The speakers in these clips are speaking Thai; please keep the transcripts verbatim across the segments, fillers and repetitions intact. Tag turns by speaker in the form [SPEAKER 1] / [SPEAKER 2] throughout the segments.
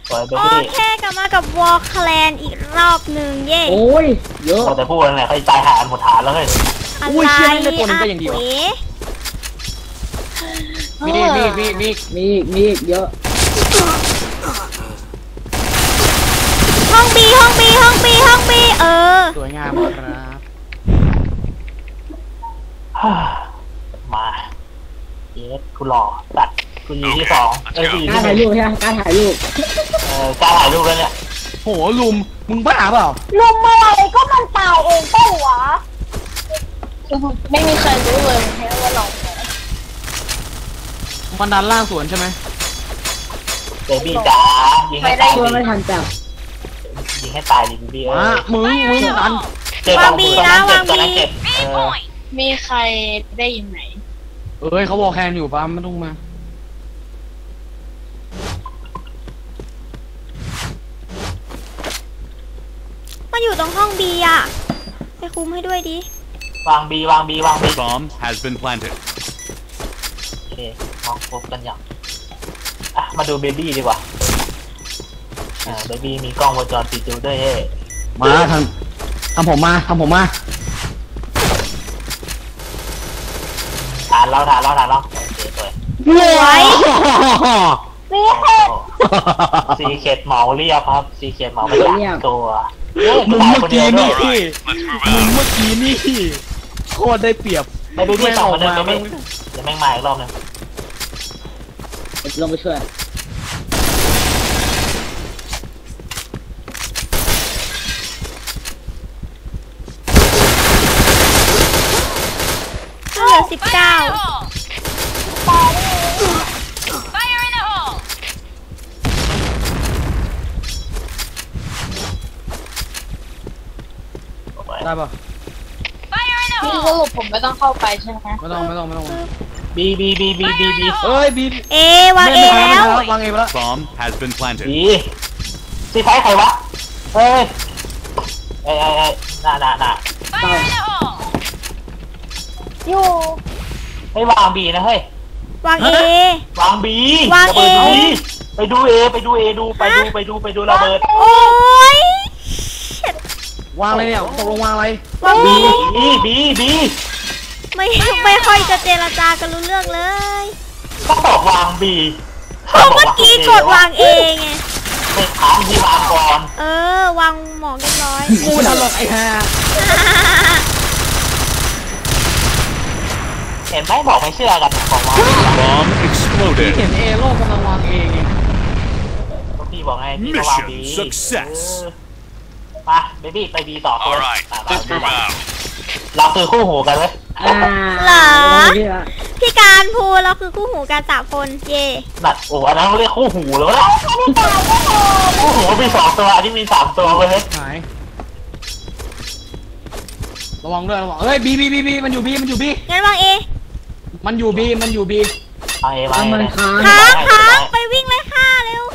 [SPEAKER 1] โอ
[SPEAKER 2] เคกลับมากับวอลแคลนอีกรอบหนึ่งเย่
[SPEAKER 3] โอ้ยเยอะ
[SPEAKER 1] แต่พูดอะไรใครใจหายหมดฐานแล้วเลย
[SPEAKER 2] อะไรอ่ะ
[SPEAKER 3] มีมีมีมีมีมีเยอะ
[SPEAKER 2] ห้องบีห้องบีห้องบีห้องบีเออ
[SPEAKER 3] สวยงามครับ
[SPEAKER 1] มาเยสกูหล่อตัดกูยีที่สองเออกูยีที่
[SPEAKER 3] การถ่ายรูปใช่ไหมการถ่ายรูป
[SPEAKER 1] เออการถ่ายรูปแล้วเนี่ย
[SPEAKER 3] โหลุมมึงบ้าเปล่า
[SPEAKER 4] ลุมอะไรก็มันตายเองก็หัวไม่มีใครรู้เลยแค่ว่าเรา
[SPEAKER 3] มันดันล่างสวนใช่ไหม
[SPEAKER 1] เบบี้จ๋ายิงให้ตาย
[SPEAKER 3] ไม่ทันจับ
[SPEAKER 1] ยิงให้ตายดิเบบี้เออ
[SPEAKER 3] มึงมึงดัน
[SPEAKER 2] วางบีนะวางบี
[SPEAKER 4] มีใครได้ยินไหม
[SPEAKER 3] เอ้ยเขาบอกแคนอยู่ปั๊มไม่ต้องมา
[SPEAKER 2] มันอยู่ตรงห้องบีอ่ะไปคุมให้ด้วยดิ
[SPEAKER 1] วางบีวางบีวางบี
[SPEAKER 5] Bomb has been planted
[SPEAKER 1] โอเคมองพบกันอย่างอ่ะมาดูเบบี้ดีกว่าอ่าเบบี้มีกล้องวงจรปิดดูด้วยเฮ้
[SPEAKER 3] มาทำทำผมมาทำผมมา
[SPEAKER 1] ฐานเราฐานเราฐานเราโอเคสวย
[SPEAKER 2] สวย
[SPEAKER 4] ซีเค็ด
[SPEAKER 1] ซีเค็ดเหมาเรียบครับซีเค็ดเหมาไม่อยากตัว
[SPEAKER 3] มึงเมื่อกี้นี่มึงเมื่อกี้นี่โคตรได้เปรียบ
[SPEAKER 1] ไม่ดูที่สองคนนึงไม่จะแม่งมาอีกรอบนึง
[SPEAKER 3] ลงไปช่วย
[SPEAKER 2] เหลือสิบเก้า
[SPEAKER 3] ได้ปะ
[SPEAKER 4] พี่สรุปผมไม่ต้องเข้าไปใช่ไหม
[SPEAKER 3] ไม่ต้องไม่ต้องไม่ต้อง
[SPEAKER 1] บีบีบีบีบีบี
[SPEAKER 3] เอ้ยบี
[SPEAKER 2] เอวางเอแล้ว
[SPEAKER 3] วางเอแล้ว
[SPEAKER 5] Bomb has been planted
[SPEAKER 1] บีซีไฟใครวะเฮ้ยเอ้ยเอ้ยน่าน่าน่า
[SPEAKER 4] อยู่
[SPEAKER 1] ให้วางบีนะเฮ้ยว
[SPEAKER 2] างเอ
[SPEAKER 1] วางบี
[SPEAKER 2] วางเอ
[SPEAKER 1] ไปดูเอไปดูเอดูไปดูไปดูไปดูระเบิด
[SPEAKER 2] โอ้ยว
[SPEAKER 3] างอะไรเนี่ยตกลงวางอะไร
[SPEAKER 2] วางบี
[SPEAKER 1] บีบีบี
[SPEAKER 2] ไม่ไม่ค่อยจะเจรจากันรู้เรื่องเลย
[SPEAKER 1] ก็บอกวางบี
[SPEAKER 2] เพราะเมื่อกี้กดวางเองไง
[SPEAKER 1] ไม่ถามที่วางก่อน
[SPEAKER 2] เออวางหมอกเรียบร้อย
[SPEAKER 3] กูตลกไอ้ห่า
[SPEAKER 1] เห็นไหมบอกไม่เชื่อกันบอกวาง
[SPEAKER 5] Bomb exploded
[SPEAKER 3] เห็นเอโลกำลังวางเองไง
[SPEAKER 1] พี่บอกไงพี่ก็วางบีมาเบบี้ไปบีต่อเลยเราคือคู่หูกันเลย
[SPEAKER 2] เหรอพี่การพูเราคือคู่หูกันสามคนเย่
[SPEAKER 1] นัดโอ้อันนั้นเขาเรียกคู่หูแล้วนะคู่หูมีสองตัวอันนี้มีสามตัวเลย
[SPEAKER 3] หายระวังด้วยระวังเฮ้ยบีบีบีบีมันอยู่บีมันอยู่บี
[SPEAKER 2] งั้นวางเอ
[SPEAKER 3] มันอยู่บีมันอยู่บี
[SPEAKER 1] เอาเอมา
[SPEAKER 2] เลยค้างค้างไปวิ่งเลยค่ะเร็ว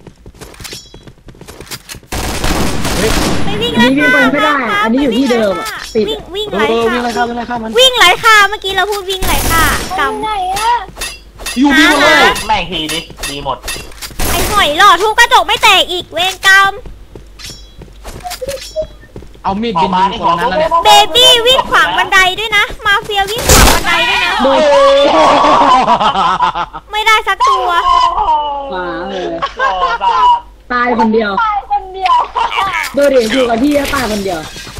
[SPEAKER 2] ไปวิ่งเลยค่ะ
[SPEAKER 3] ไม่ได้อันนี้อยู่ที่เดิม
[SPEAKER 2] วิ่งวิ่งไหลค่ะ
[SPEAKER 3] วิ่งไหลค่ะวิ่งไหลค่ะมัน
[SPEAKER 2] วิ่งไหลค่ะเมื่อกี้เราพูดวิ่งไหลค่ะ
[SPEAKER 4] กำไหนอะ
[SPEAKER 3] อยู่บีหมดเลย
[SPEAKER 1] แม่งทีดิดีหมด
[SPEAKER 2] ไอ้หอยหล่อทุกกระจกไม่แตกอีกเวรกรรม
[SPEAKER 3] เอามีดบินยิงคนนั้นแล้วเนี่ย
[SPEAKER 2] เบบี้วิ่งขวางบันไดด้วยนะมาเฟียวิ่งขวางบันไดด้วยนะไม่ได้สักตัว
[SPEAKER 3] มาเลยตายคนเดียว
[SPEAKER 4] ตายคนเดียว
[SPEAKER 3] โดยเด็กอยู่กับที่ตายคนเดียว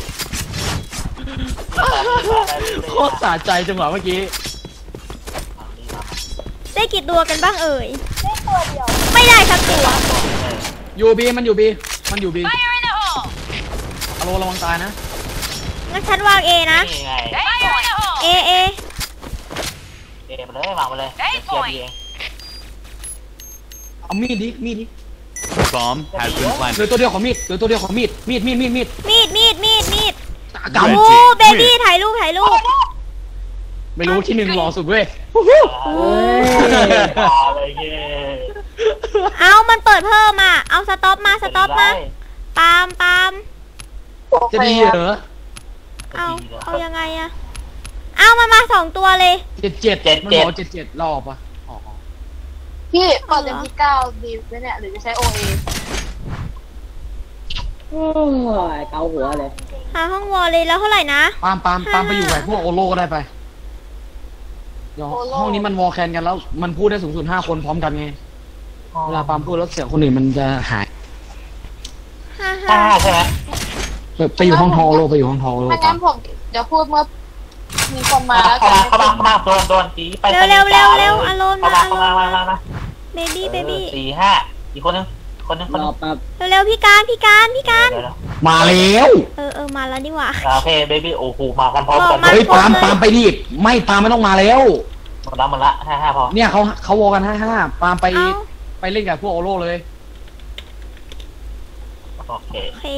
[SPEAKER 3] โคตรสะใจจังหวะเมื่อกี้
[SPEAKER 2] ได้กี่ตัวกันบ้างเอ่ย
[SPEAKER 4] ได้ตัวเดียว
[SPEAKER 2] ไม่ได้สักตัว
[SPEAKER 3] อยู่บีมันอยู่บีมันอยู่บีอโลระวังตายนะ
[SPEAKER 2] งั้นฉันวางเอนะเอเอ
[SPEAKER 1] เอมาเลยวางมาเลยเกียร์เอง
[SPEAKER 3] เอามีดดิมีดดิ
[SPEAKER 5] Bomb has been planted
[SPEAKER 3] เหลือตัวเดียวของมีดเหลือตัวเดียวของมีดมีดมีดมีดมีด
[SPEAKER 2] มีดมีดมีดมีดโอ้เบบี้ถ่ายรูปถ่ายรูป
[SPEAKER 3] ไม่รู้ที่หนึ่งรอสุดเว้ย
[SPEAKER 2] เอามันเปิดเพิ่มอ่ะเอาสต็อปมาสต็อปมาปามปาม
[SPEAKER 3] จะดีเหรอ
[SPEAKER 2] เอาเอายังไงอะเอามันมาสองตัวเลย
[SPEAKER 3] เจ็ดเจ็ดเจ็ดมันบอกเจ็ดเจ็ดรอบปะ
[SPEAKER 4] พี่เปิดเต็มที่เก้าดีไหมเนี่ยหรือจะใช้โอเอ
[SPEAKER 3] โอ้ยเกาหัวเลย
[SPEAKER 2] หาห้องวอลเลยแล้วเท่าไหร่นะ
[SPEAKER 3] ปามปามปามไปอยู่กับพวกโอโลก็ได้ไปเดี๋ยวห้องนี้มันวอลแคนกันแล้วมันพูดได้สูงสุดห้าคนพร้อมกันไงเวลาปามพูดแล้วเสียงคนอื่นมันจะหาย
[SPEAKER 2] ห้า
[SPEAKER 1] ห้า
[SPEAKER 2] ห้า
[SPEAKER 1] ใช่ไหม
[SPEAKER 3] ไปไปอยู่ห้องทอโลไปอยู่ห้องทอโล
[SPEAKER 4] ไม่งั้นผมเดี๋ยวพูดเมื่อมีคนมาแล้ว
[SPEAKER 1] เข้ามาเข้ามาเข้ามาโดนโดนตีไป
[SPEAKER 2] เร็วเร็วเร็วเร็วอารมณ์
[SPEAKER 1] เข้า
[SPEAKER 2] มา
[SPEAKER 1] มา
[SPEAKER 2] อาร
[SPEAKER 1] เข้ามาม
[SPEAKER 2] ณ์
[SPEAKER 1] มามา
[SPEAKER 2] เบบี้เบบี้
[SPEAKER 1] สี่ห้าอีกคนนึงคนนึงคน
[SPEAKER 3] ร
[SPEAKER 1] นึ
[SPEAKER 3] อง แป๊บ
[SPEAKER 2] เร็วเร็วพี่การพี่การพี่การ
[SPEAKER 3] มาแล้ว
[SPEAKER 2] เออเออมาแล้วดีกว่า
[SPEAKER 1] โอเคเบบี้โอ้โหมากันพร้อมกัน
[SPEAKER 2] มา
[SPEAKER 3] เฮ้ยปามปามไปดิไม่ปามไม่ต้องมาแล้ว
[SPEAKER 1] หมดละหมดละห้าห้าพอ
[SPEAKER 3] เนี่ยเขาเขาวอลกันห้าห้าปามไป
[SPEAKER 2] เอา
[SPEAKER 3] ไปเล่นกับพวกโอโลเลย
[SPEAKER 1] โอเค
[SPEAKER 2] โอเค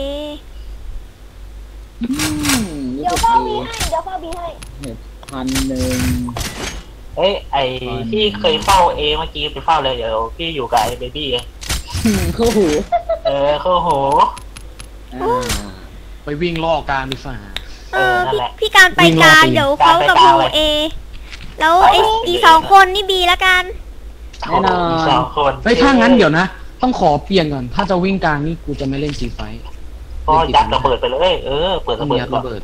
[SPEAKER 4] เดี๋ยวเข้าบีให้เดี๋ยวเข้าบีให้
[SPEAKER 3] พันหนึ่ง
[SPEAKER 1] เฮ้ยไอที่เคยเฝ้าเอเมื่อกี้ไปเฝ้าเลยเดี๋ยวพี่อยู่กับไอเบบี้เอง
[SPEAKER 3] เข้าหู
[SPEAKER 1] เออเข้าโห
[SPEAKER 3] ไปวิ่งล่อกลางดีฝ่า
[SPEAKER 2] เออ
[SPEAKER 1] นั่น
[SPEAKER 2] พี่
[SPEAKER 1] แหละ
[SPEAKER 2] พี่การไป
[SPEAKER 3] วิ่ง
[SPEAKER 2] ก
[SPEAKER 3] รอบ
[SPEAKER 2] ลาง
[SPEAKER 3] ตี
[SPEAKER 2] เดี๋ยวเขากับ
[SPEAKER 1] การไปกลาง
[SPEAKER 2] โม
[SPEAKER 1] เลย
[SPEAKER 2] เอแล้วไอ
[SPEAKER 1] ไป
[SPEAKER 2] อีกสองคนนี่บีแล้วกัน
[SPEAKER 3] แน่นอน
[SPEAKER 1] สองคน
[SPEAKER 3] เฮ้ยถ้างั้นเดี๋ยวนะ ต้องขอเปลี่ยนก่อน ถ้าจะวิ่งกลางนี่กูจะไม่เล่นซีไฟ
[SPEAKER 1] ก็ยัดระเบิดไปเลยเออเปิดระเบิด
[SPEAKER 3] ยัด
[SPEAKER 1] ก่อน
[SPEAKER 3] ระเบิด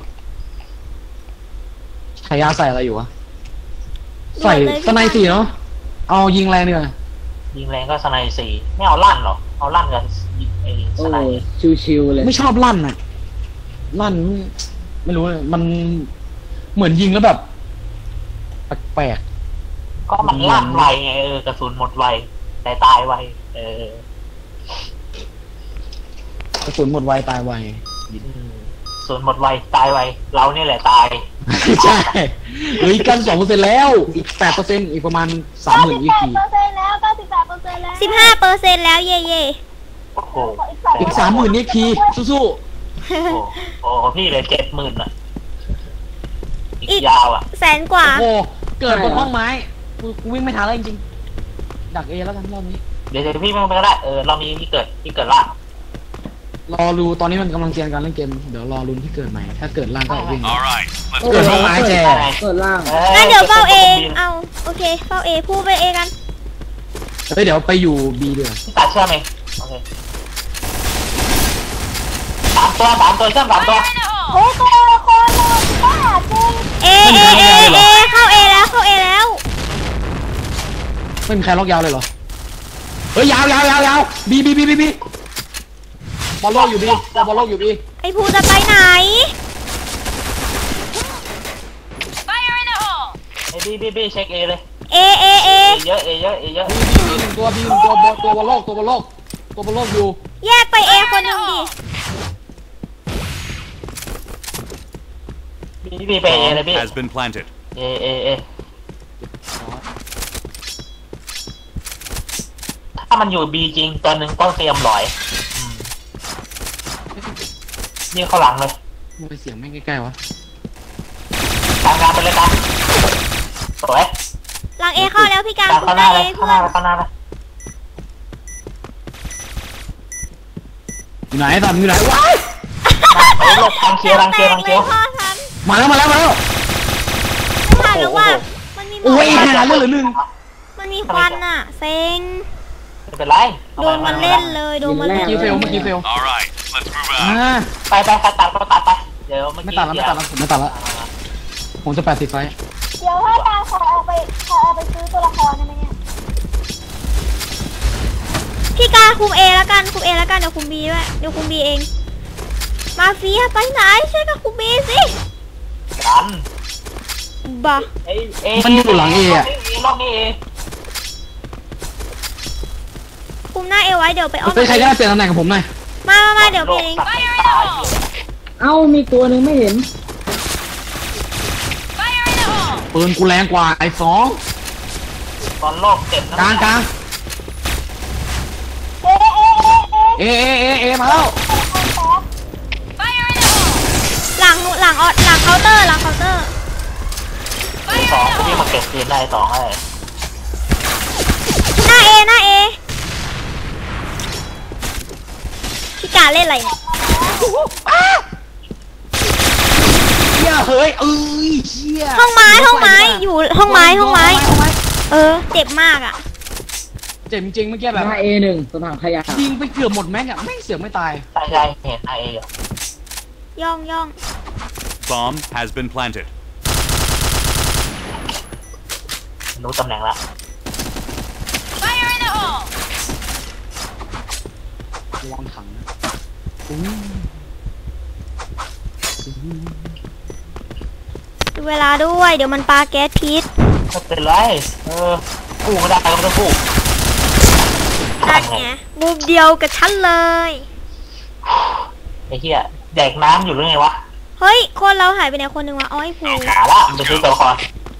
[SPEAKER 3] ชายาใส่อะไรอยู่วะ ใส่
[SPEAKER 2] หมดเลย
[SPEAKER 3] สไนสี่เนาะ เอายิงแรงเนี่ย
[SPEAKER 1] ยิงแรงก็สไนสี่ไม่เอาลั่นหรอเอาลั่นกับไอ้สไน
[SPEAKER 3] ชิวๆเลย ไม่ชอบลั่นอะลั่นไม่รู้เลยมันเหมือนยิงแล้วแบบแปลก
[SPEAKER 1] ก็มันลั่นไวไงเออกระสุนหมดไวแต่ตายไวเออ
[SPEAKER 3] ๆกระสุนหมดไวตายไว
[SPEAKER 1] อืมกระสุนหมดไวตายไวเราเนี่ยแหละตาย
[SPEAKER 3] ใช่เฮ้ยกันสองเปอร์เซ็นต์แล้ว อีกแปดเปอร์เซ็นต์อีกประมาณสามหมื่น
[SPEAKER 4] เก้า
[SPEAKER 3] อี
[SPEAKER 4] สิบ
[SPEAKER 3] ก
[SPEAKER 4] แปด
[SPEAKER 3] ที
[SPEAKER 4] เปอร์เซ็นต์แล้วเก้าสิบแปดเปอร์เซ็นต์แล้ว
[SPEAKER 2] สิบห้าเปอร์เซ็นต์แล้วเย่เย่
[SPEAKER 1] โอ้โห
[SPEAKER 3] อีกสามหมื่นอีกทีสู้
[SPEAKER 1] โอ้โหโอ้โหพี่เลยเจ็ดหมื่นอ่ะอีกยาวอ่ะ
[SPEAKER 2] แสนกว่า
[SPEAKER 3] ๆโอ้โหเกิดบนห้องไม้กูกูวิ่งไม่ทันแล้วจริงๆดักเอแล้วกันรอบนี้
[SPEAKER 1] เดี๋ยวเดี๋ยวพี่ไม่ไปก็ได้เออเรามีที่เกิดที่เกิดล่าง
[SPEAKER 3] รอรูตอนนี้มันกำลังเตรียมการเล่นเกมเดี๋ยวรอรุนที่เกิดใหม่ถ้าเกิดล่างก็วิ่ง
[SPEAKER 5] All right, let's
[SPEAKER 3] เกิดห้องไม้แจ
[SPEAKER 6] เปิดล่าง
[SPEAKER 2] งั้นเดี๋ยวเฝ้าเอเอาโอเคเฝ้าเอพูดไปเอกัน
[SPEAKER 3] เฮ้ยเดี๋ยวไปอยู่บีเดือ
[SPEAKER 1] พี่ตัดเชื่อมเองโอเคสามตัวสามตัวเชื่อมสามตัว
[SPEAKER 4] โอ้ตัวละครเราบ้าจริง
[SPEAKER 2] เอเอเอเอเข้าเอแล้วเข้าเอแล้ว
[SPEAKER 3] ไม่มีใครล็อกยาวเลยเหรอเฮ้ยยาวยาวยาวยาวบีบีบีบีบีบอลโลกอยู่บีบอลโลกอยู่บี
[SPEAKER 2] ไอพูจะไปไหน
[SPEAKER 1] ไอ้บีบีบีเช็คเอเลย
[SPEAKER 2] เอเอเอ
[SPEAKER 1] เอเยอะเอเยอะเอเยอะ
[SPEAKER 3] บีหนึ่งตัวบีหนึ่งตัวบอลตัวบอลโลกตัวบอลโลกตัวบอลโลกอยู่
[SPEAKER 2] แยกไปเอคนหนึ่งดิ
[SPEAKER 1] บีบีไปเอเลย
[SPEAKER 5] Bomb
[SPEAKER 1] พี่
[SPEAKER 5] has been planted.
[SPEAKER 1] เอเอเอถ้ามันอยู่บีจริงตัวหนึ่งต้องเตรียมลอยอืมนี่เข้าหลังเลย
[SPEAKER 3] ทำไมเสียงไม่ใกล้ๆวะ
[SPEAKER 1] ทำงานไปเลยกันสวย
[SPEAKER 2] หลังเอเข้าแล้วพี่การ
[SPEAKER 1] การ
[SPEAKER 2] คุ
[SPEAKER 1] เข้า
[SPEAKER 2] ณ
[SPEAKER 1] หน้า
[SPEAKER 2] ได้
[SPEAKER 1] เล
[SPEAKER 2] เอย
[SPEAKER 1] เข้า
[SPEAKER 2] เพื่
[SPEAKER 1] ห
[SPEAKER 2] อ
[SPEAKER 1] น้าน เลยเข้าหน้าเลย
[SPEAKER 3] อยู่ไหนตอนอยู่ไหนวะ
[SPEAKER 1] ไปหลบทางเคียวทางเคียวทางเคียว
[SPEAKER 2] พ่อทัน
[SPEAKER 3] มาแล้วมาแล้วมาแล้ว
[SPEAKER 2] ไม่ทันแล้วว่ามันมีหม
[SPEAKER 3] โอ้
[SPEAKER 2] อก
[SPEAKER 3] ยหาเรื่องเหลือหนึ่ง
[SPEAKER 2] มันมีควันอ่ะเซ็ง
[SPEAKER 1] ไม่เป็นไร
[SPEAKER 2] โดนมันเล่นเลยโดนมัน
[SPEAKER 3] เมื่
[SPEAKER 2] เล่
[SPEAKER 3] อน กี้เฟลเมื่อกี้เฟล
[SPEAKER 5] All right, let's move
[SPEAKER 3] อ่า
[SPEAKER 5] out.
[SPEAKER 1] ไปไปตัดตัดก็ตัดไปเดี๋ยวเมื่อ
[SPEAKER 3] ไม่
[SPEAKER 1] กี้
[SPEAKER 3] ตัดแล้วไม่ตัดแล้วผมไม่ตัดแล้วผมจะแปดสิบไฟ
[SPEAKER 4] เดี๋ยวถ้าตาขอเอาไปขอเอาไปซื้อตัวละครได้ไหมเนี่ย
[SPEAKER 2] พี่การคุมเอแล้วกันคุมเอแล้วกันเดี๋ยวคุมบีด้วยเดี๋ยวคุมบีเองมาเฟียไปไหนช่วยกับคุมบีสิ
[SPEAKER 1] กัน
[SPEAKER 2] บ้า
[SPEAKER 1] เอ้ยเอ้
[SPEAKER 3] มันอยู่หลังเออะ
[SPEAKER 1] รอบนี้เอ
[SPEAKER 2] คุมหน้าเอไว้เดี๋ยวไปอ้อม
[SPEAKER 3] เฮ้ยใครก็ได้เปลี่ยนตำแหน่งกับผมหน่อย
[SPEAKER 2] มามามาเดี๋ยวบีเอง
[SPEAKER 1] ตัดตาย
[SPEAKER 6] เอ้ามีตัวหนึ่งไม่เห็น
[SPEAKER 3] ปืนกูแรงกว่าไอ้สอง
[SPEAKER 1] ตอนโลกเจ็บนะ
[SPEAKER 3] กลางกลาง
[SPEAKER 4] เอ๊ะเอ๊ะเอ๊ะเอ๊ะ
[SPEAKER 3] เอเอเอเอมาแล้ว
[SPEAKER 2] หลังหลังออหลังเคาน์เตอร์หลังเคาน์เตอร์
[SPEAKER 1] สองที่มาเก็บคืนได้สองอะไร
[SPEAKER 2] หน้าเอหน้าเอพี่การเล่นอะไรเนี่ย
[SPEAKER 3] เฮียเฮ้ยเอ้ยเฮีย
[SPEAKER 2] ห้องไม้ห้องไม้อยู่ห้องไม้ห้องไม้เออเจ็บมากอ่ะ
[SPEAKER 3] เจ็บจริงๆเมื่อกี้แบบ
[SPEAKER 6] หน้าเอหนึ่งตรงถังขยะ
[SPEAKER 3] ยิงไปเกือบหมดแม็กอะไม่เสือกไม่ตาย
[SPEAKER 1] ใช่ใช่เห็นไอเอยู่
[SPEAKER 2] ย่องย่อง
[SPEAKER 5] Bomb has been planted.
[SPEAKER 1] รู้ตำแหน่งละ
[SPEAKER 3] ระวังถังนะอู้
[SPEAKER 2] ดูเวลาด้วย เดี๋ยวมันปาแก๊สพิษ
[SPEAKER 1] ไม่เป็นไรเออกู้ก็ได้ก็ต้องกู้
[SPEAKER 2] นั่นไงมุมเดียวกับฉันเลย
[SPEAKER 1] ไอ้เหี้ยแดกน้ำอยู่หรือไงวะ
[SPEAKER 2] เฮ้ย คนเราหายไปไหนคนหนึ่งวะอ๋อไอ้ภู
[SPEAKER 1] หาละมันไปซื้อตัวละคร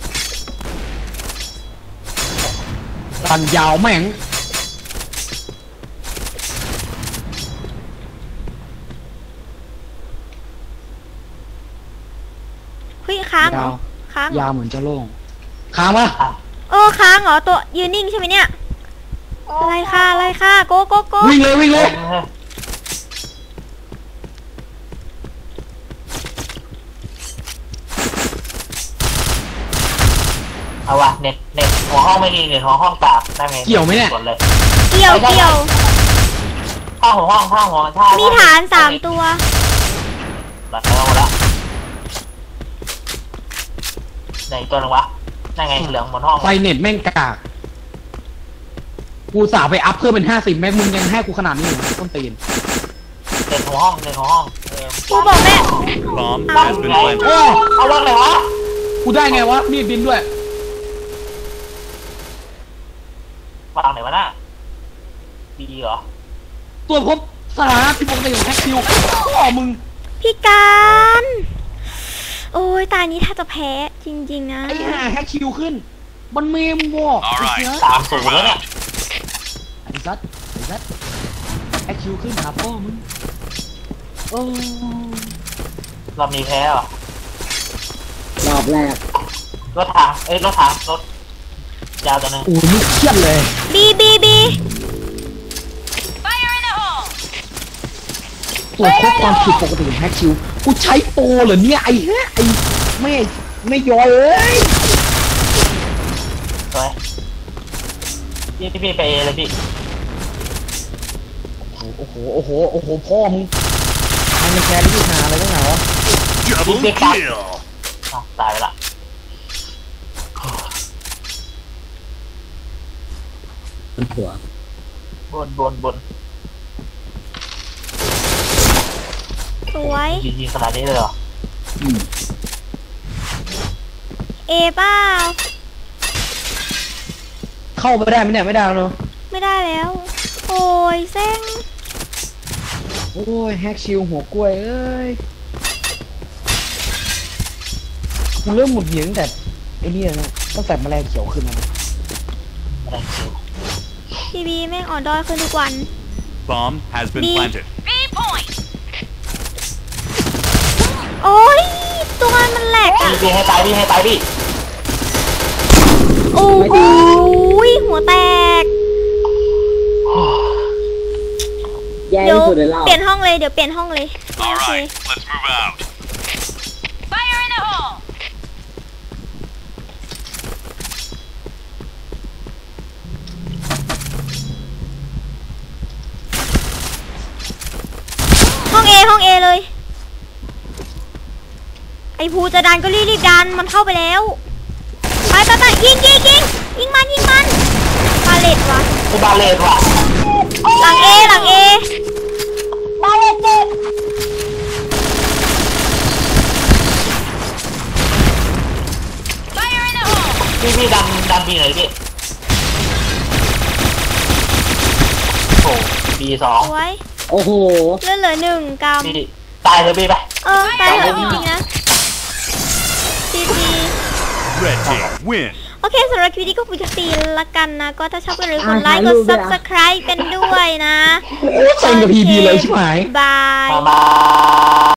[SPEAKER 3] ตันยาวแม่ง
[SPEAKER 2] เฮ้ยค้างเหร
[SPEAKER 3] ยา
[SPEAKER 2] อ
[SPEAKER 3] ว
[SPEAKER 2] ค้างเหร
[SPEAKER 3] ยา
[SPEAKER 2] อ
[SPEAKER 3] วเหมือนจะโล่งค้างปะ
[SPEAKER 2] เออค้างเหรอตัวยืนนิ่งใช่ไหมเนี่ยอะไรค่ะอะไรค่ะโกโกโก
[SPEAKER 3] วิ่งเลยวิ่ง
[SPEAKER 1] เอ
[SPEAKER 3] เล
[SPEAKER 1] อย เออเอาวะเน็ตเน็ตหัวห้องไม่ดีเน็ตหัวห้องตากได้ไง
[SPEAKER 3] เกี่ยวไหมเนี่ย
[SPEAKER 1] กดเลย
[SPEAKER 2] เกี่ยวเกี่ยว
[SPEAKER 1] ถ้าหัวห้องถ้าหัวถ้า
[SPEAKER 2] มี
[SPEAKER 1] มี
[SPEAKER 2] ฐานสามตัว
[SPEAKER 1] หลับไปหมดแล้วไหนตัวหนึงวะนั่นไงเหลืองบนห้อง
[SPEAKER 3] ไฟเน็ตแม่งกากกูสาวไปอัพเพิ่มเป็นห้าสิบแม็กมึงยังให้กูขนาดนี้อยู่นะต้นตีน
[SPEAKER 1] เน็ตหัวห้องเน็ตหัวห้องเออ
[SPEAKER 2] กูบอกแม่
[SPEAKER 5] Bomb
[SPEAKER 1] ตั้ง
[SPEAKER 5] has been
[SPEAKER 1] ไง
[SPEAKER 5] planted.
[SPEAKER 1] เออเอาวางไหนวะ
[SPEAKER 3] กูได้ไงวะมีดบินด้วย
[SPEAKER 1] วางไหนวะน่ะดีเหรอ
[SPEAKER 3] ตัวจพบสถานะที่ปกติของแท็กคิวพ่อมึง
[SPEAKER 2] พี่การโอ้ยตานี้ถ้าจะแพ้จริงๆนะ
[SPEAKER 3] ไอ้ห่าแฮกคิวขึ้น มันเมมวอก
[SPEAKER 5] Alright
[SPEAKER 1] สามศูนย์แล้วเนี่ย
[SPEAKER 3] ไอ้ซัดไอ้ซัดแฮกคิวขึ้นหาพ่อมึงโอ้
[SPEAKER 1] เรามีแพ้เหรอ
[SPEAKER 6] รอบแรก
[SPEAKER 1] รถถังเอ้ยรถถังรถยาวตัวหนึง
[SPEAKER 3] โหนี่เครียดเลย
[SPEAKER 2] บีบีบี
[SPEAKER 3] ตัวจพบความผิดปกติของแฮกคิวกูใช้โปรเหรอเนี่ยไอ้ฮะไอ้ไม่ไม่ย้อยเอ้ย
[SPEAKER 1] สวยพี่พี่พี่ไปเอเลยพี่
[SPEAKER 3] โอ้โหโอ้โหโอ้โหพ่อมึงทำในแคร์ที่หาอะไรตั้งไหนวะ
[SPEAKER 5] Double
[SPEAKER 1] Big kill.
[SPEAKER 5] kill.
[SPEAKER 1] อ้าวตายไปละ
[SPEAKER 6] มันหัว
[SPEAKER 1] บนบนบน
[SPEAKER 2] สวย
[SPEAKER 1] ยิงยิงขนาดนี้เลยเหรอ
[SPEAKER 6] อืม
[SPEAKER 2] เอเปล่า
[SPEAKER 3] เข้าไปได้ไหมเนี่ยไม่ได้แล้วเนอะ
[SPEAKER 2] ไม่ได้แล้ว โอ้ยเซ็ง
[SPEAKER 3] โอ้ยแฮกชิวหัวกล้วยเอ้ยกูเริ่มหมุดหงิดตั้งแต่ไอ้นี่นะตั้งแต่แมลงเขียวขึ้นมา
[SPEAKER 1] อะไรคิว
[SPEAKER 2] พี่บีแม่งอ่อนด้อยขึ้นทุกวัน
[SPEAKER 5] Bomb has been
[SPEAKER 2] Me.
[SPEAKER 5] planted.
[SPEAKER 2] โอ้ยตัวมันแหลกอ่ะ
[SPEAKER 1] พี่พี่ให้ตายพี่ให้ตายพี่
[SPEAKER 2] โอ้โหหัวแตก
[SPEAKER 6] แย่
[SPEAKER 2] เดี๋ยว
[SPEAKER 6] ที่สุดในรอบ
[SPEAKER 2] เปลี่ยนห้องเลยเดี๋ยวเปลี่ยนห้องเลยโอ
[SPEAKER 5] All
[SPEAKER 2] เค
[SPEAKER 5] right, let's move out.
[SPEAKER 2] ห้องเอห้องเอเลย ไอ้ภูจะดันก็รีบรีบดันมันเข้าไปแล้ว ไปไปไปยิงยิงยิงยิงมันยิงมันปาเลตวะ
[SPEAKER 1] กูบาเลนว่ะ
[SPEAKER 2] หลังเอหลังเอ
[SPEAKER 4] มาเลยเจ็บ
[SPEAKER 1] พี่พี่ดันดันบีหน่อยพี่โอ้บีสอง
[SPEAKER 2] สวย
[SPEAKER 6] โอ้โห
[SPEAKER 2] เลือดเหลือหนึ่งกรัม
[SPEAKER 1] พี่ตายเลยพี่ไป
[SPEAKER 2] เออตายเถอะจริงๆนะจีจี
[SPEAKER 5] Red team win.
[SPEAKER 2] โอเคสำหรับคลิปนี้ก็คุยกันตีละกันนะ ก็ถ้าชอบก็อย่าลืมกดไลค์กด subscribe เป็นด้วยนะ
[SPEAKER 3] โอ้เซ็งกับพีบีเลยใช่ไหม
[SPEAKER 2] บาย
[SPEAKER 1] มามา